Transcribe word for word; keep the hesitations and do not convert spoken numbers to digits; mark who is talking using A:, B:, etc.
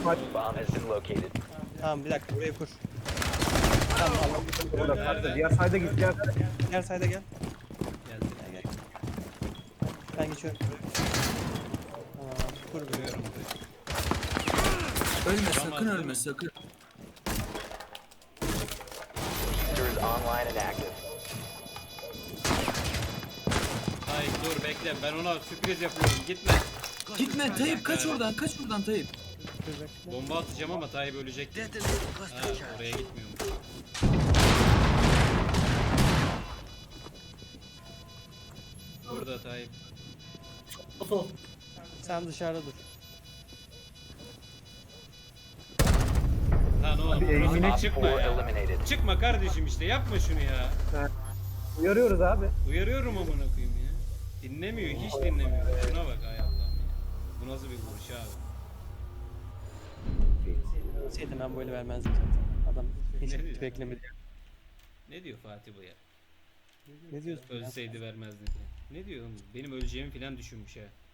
A: Bomb has been located.
B: Tamam bir dakika buraya kur. Tamam Allah'ım.
C: Orada kalktı. Diğer sayda git. Diğer sayda.
B: Diğer sayda gel.
D: Gel.
B: Gel gel. Ben geçiyorum. Tamam kur buraya.
D: Görüyorum.
E: Ölme sakın ölme sakın.
A: Diffuser is online and active.
D: Tayyip dur bekle, ben ona sürpriz yapıyorum, gitme.
E: Gitme Tayyip, kaç oradan, kaç oradan Tayyip.
B: Dur bekle.
D: Bomba atacağım ama Tayyip ölecek. Ha, oraya gitmiyormuş. Burada Tayyip.
B: Sen dışarıda dur.
D: Lan oğlum,
C: Abi,
D: burası-
C: elimine
A: Op
D: çıkma
A: four
D: ya.
A: eliminated.
D: Çıkma kardeşim işte, yapma şunu ya.
C: Uyarıyoruz abi.
D: Uyarıyorum amına koyayım ya. Dinlemiyor, hiç dinlemiyor. Şuna bak ay Allah'ım ya. Bu nasıl bir vuruş abi?
B: Bilseydim ben böyle vermezdim zaten. Adam hiç
D: Ne diyor?
B: beklemedi.
D: Ne diyor Fatih bu ya?
B: Ne diyorsun? ya?
D: Ölseydi vermezdi diye. Ne diyor oğlum? Benim öleceğimi falan düşünmüş ha.